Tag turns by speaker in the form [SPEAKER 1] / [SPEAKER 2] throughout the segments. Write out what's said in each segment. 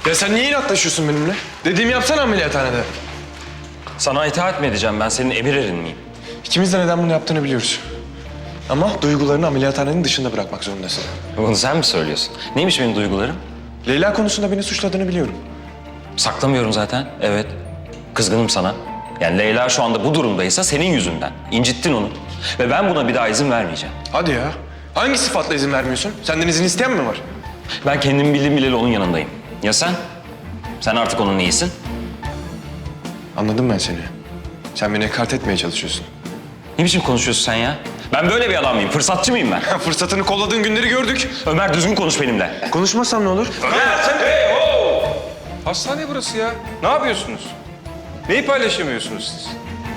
[SPEAKER 1] Ya sen niye inatlaşıyorsun benimle? Dediğimi yapsana ameliyathanede.
[SPEAKER 2] Sana itaat mi edeceğim? Ben senin emir erin miyim?
[SPEAKER 1] İkimiz de neden bunu yaptığını biliyoruz. Ama duygularını ameliyathanenin dışında bırakmak zorundasın.
[SPEAKER 2] Bunu sen mi söylüyorsun? Neymiş benim duygularım?
[SPEAKER 1] Leyla konusunda beni suçladığını biliyorum.
[SPEAKER 2] Saklamıyorum zaten. Evet. Kızgınım sana. Yani Leyla şu anda bu durumdaysa senin yüzünden. İncittin onu. Ve ben buna bir daha izin vermeyeceğim.
[SPEAKER 1] Hadi ya. Hangi sıfatla izin vermiyorsun? Senden izin isteyen mi var?
[SPEAKER 2] Ben kendimi bildim bileli onun yanındayım. Ya sen? Sen artık onun iyisin.
[SPEAKER 1] Anladım ben seni. Sen beni ekart etmeye çalışıyorsun.
[SPEAKER 2] Ne biçim konuşuyorsun sen ya? Ben böyle bir adam mıyım? Fırsatçı mıyım ben?
[SPEAKER 1] Fırsatını kolladığın günleri gördük.
[SPEAKER 2] Ömer düzgün konuş benimle.
[SPEAKER 1] Konuşmazsam ne olur?
[SPEAKER 3] Hastane burası ya. Ne yapıyorsunuz? Neyi paylaşamıyorsunuz siz?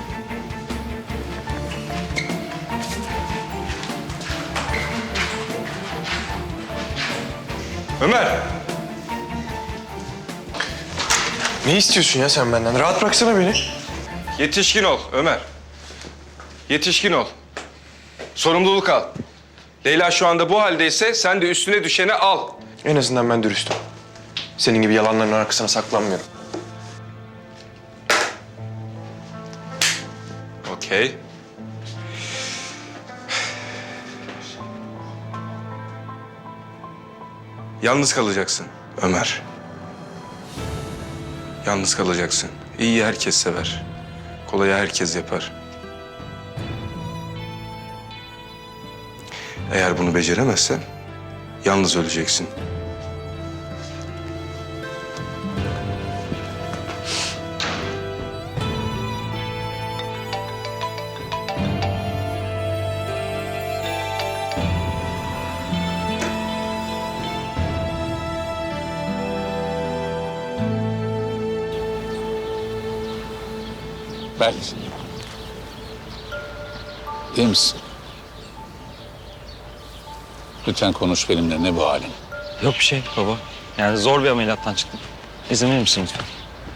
[SPEAKER 3] Ömer,
[SPEAKER 1] Ne istiyorsun ya sen benden? Rahat bıraksana beni.
[SPEAKER 3] yetişkin ol Ömer. Yetişkin ol. Sorumluluk al. Leyla şu anda bu haldeyse sen de üstüne düşeni al.
[SPEAKER 1] En azından ben dürüstüm. Senin gibi yalanların arkasına saklanmıyorum.
[SPEAKER 3] Okey. Yalnız kalacaksın Ömer. Yalnız kalacaksın. İyiyi herkes sever. Kolayı herkes yapar. Eğer bunu beceremezsen yalnız öleceksin.
[SPEAKER 4] Berk. İyi misin? Lütfen konuş benimle. Ne bu halin?
[SPEAKER 2] Yok bir şey baba. Yani zor bir ameliyattan çıktım. İzin verir misin lütfen?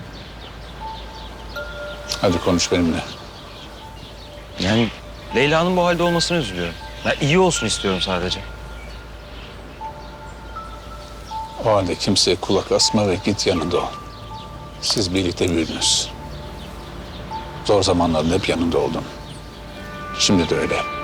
[SPEAKER 4] Hadi konuş benimle.
[SPEAKER 2] Yani Leyla'nın bu halde olmasına üzülüyorum. Ya iyi olsun istiyorum sadece.
[SPEAKER 4] O halde kimseye kulak asma ve git yanında ol. Siz birlikte büyüdünüz. Zor zamanlarda hep yanında oldun. Şimdi de öyle.